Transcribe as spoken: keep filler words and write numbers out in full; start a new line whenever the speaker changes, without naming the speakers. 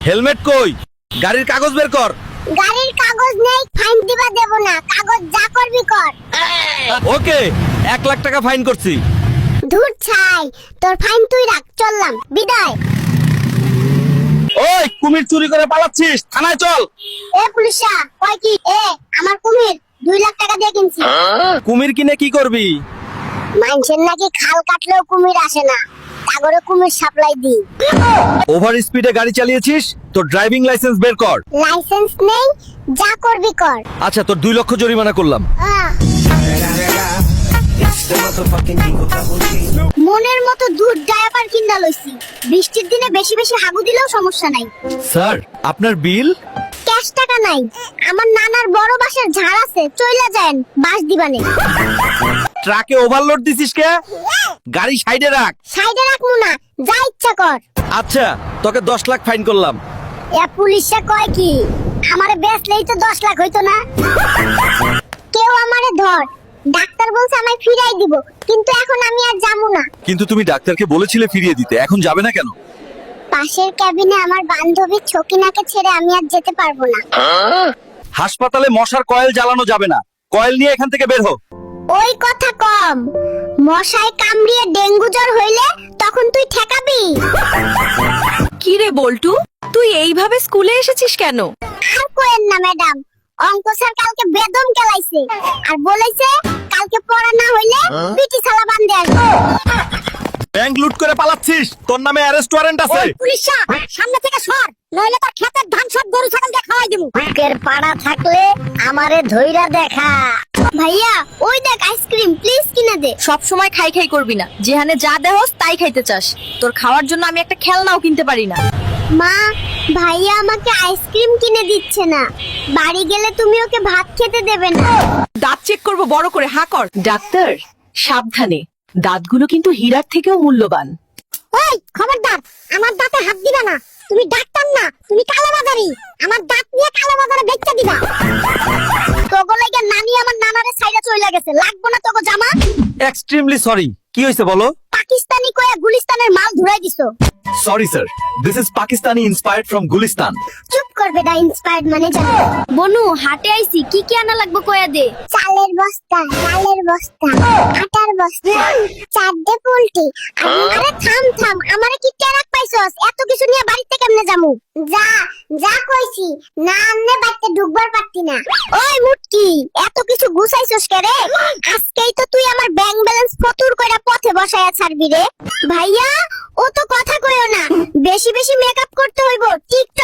Helmet কই? গাড়ির কাগজ বের কর।
গাড়ির কাগজ নেই, ফাইন দিবা দেব না। কাগজ যা করবি কর।
ওকে, এক লাখ টাকা ফাইন করছি।
ধুর ছাই, তোর ফাইন তুই রাখ, চললাম, বিদায়।
ওই কুমির চুরি করে পালাচ্ছিস, থানায় চল।
এ পুলিশা, কয় কি? এ আমার কুমির দুই লাখ টাকা দিয়ে কিনছি।
কুমির কিনে কি করবি?
মানুষের নাকি খাল কাটলেও কুমির আসে না, সাগরে কুমির সাপ্লাই দি।
ওভার স্পিডে গাড়ি চালিয়েছিস, তোর ড্রাইভিং লাইসেন্স বের কর।
লাইসেন্স নেই, যা করবি কর।
আচ্ছা, তোর দুই লক্ষ জরিমানা করলাম।
আহ, মনের মতো দুধ ডায়াপার কিনা লইছি। বৃষ্টির দিনে বেশি বেশি হাগু দিলেও সমস্যা নাই।
স্যার, আপনার বিল?
ক্যাশ টাকা নাই, আমার নানার বড় বাসের ঝাড় আছে, চইলা যান, বাস দিবানে।
ট্রাকে ওভারলোড দিছিস কে? গাড়ি সাইডে রাখ।
সাইডে রাখমু না, যা ইচ্ছা কর।
আচ্ছা, তোকে দশ লাখ ফাইন করলাম।
এ পুলিশে কয় কি? আমারে বেচলেই তো দশ লাখ হইতো না? কেউ আমারে ধর, ডাক্তার বলছে আমায় ফিরাই দিব, কিন্তু এখন আমি আর যাবো না।
কিন্তু তুমি ডাক্তারকে বলেছিলে ফিরিয়ে দিতে, এখন যাবে না কেন?
পাশের ক্যাবিনে আমার বান্ধবী ছকিনাকে ছেড়ে আমি আর যেতে পারবো না।
হাসপাতালে মশার কয়েল জ্বালানো যাবে না, কয়েল নিয়ে এখান থেকে বের হো।
ওই কথা কম, মশায় কামড়িয়ে ডেঙ্গু জ্বর হইলে তখন তুই ঠেকাবি?
কি রে বল্টু, তুই এইভাবে স্কুলে এসেছিস কেন?
আর কোয়েন না ম্যাডাম, অঙ্ক স্যার কালকে বেদম কেলাইছে আর বলেছে কালকে পড়া না হইলে পিটি ছালা বান্ধে আসবো।
ব্যাংক লুট করে পালাচ্ছিস, তোর নামে অ্যারেস্ট ওয়ারেন্ট আছে।
পুলিশা, সামনে থেকে সর, নইলে তোর ক্ষেতের ধান সব গরু ছাগল দিয়ে খাওয়াই দেবো। বুকের পাড়া থাকলে আমারে ধইরা দেখা। ভাইয়া, ওই দেখ আইসক্রিম, প্লিজ কিনে দে।
সব সময় খাই খাই করবি না, যেখানে যা দেহস তাই খাইতে চাস। তোর খাওয়ার জন্য আমি একটা খেলনাও কিনতে পারি না।
মা, ভাইয়া আমাকে আইসক্রিম কিনে দিচ্ছে না, বাড়ি গেলে তুমি ওকে ভাত খেতে দেবে না।
দাঁত চেক করব বড় করে, হা কর। ডাক্তার, সাবধানে, দাঁতগুলো কিন্তু হীরার থেকেও মূল্যবান।
ওই খবরদার, আমার দাঁতে হাত দিবা না। তুমি ডাক্তার না, তুমি কালোবাজারি। আমার দাঁত নিয়ে কালোবাজারে বেচতে দিবা। তোগো লাগা নানি আমার নানারে সাইডে চইলা গেছে, লাগবো না তোগো জামা।
Extremely sorry. কি হয়েছে বলো?
পাকিস্তানি কয়া গুলিস্তানের মাল ধুরাই দিছো।
Sorry sir, this is Pakistani inspired from Gulistan.
চুপ করবে দা, ইন্সপায়ার্ড মানে জানো।
বনু, হাটে আইছি, কি কি আনা লাগবে কয়া দে।
চালের বস্তা, ডালের বস্তা, আটার বস্তা, চারটে পোল্ট্রি। আরে থাম থাম, আমারে কি টেরাক পাইছস? এত কিছু নিয়ে বাড়িতে কেমনে যামু? যা যা কইছি, না আমনে বাড়িতে ঢুকবার পারতি না। ওই মুটকি, এত কিছু গুছাইছস কে রে? আজকেই তো তুই আমার ব্যাংক ব্যালেন্স ফতুর কইরা পথে বসায়া ছাড়বি রে। ভাইয়া, ও তো কথা কইও না, বেশি বেশি মেকআপ করতে হইব, টিকটক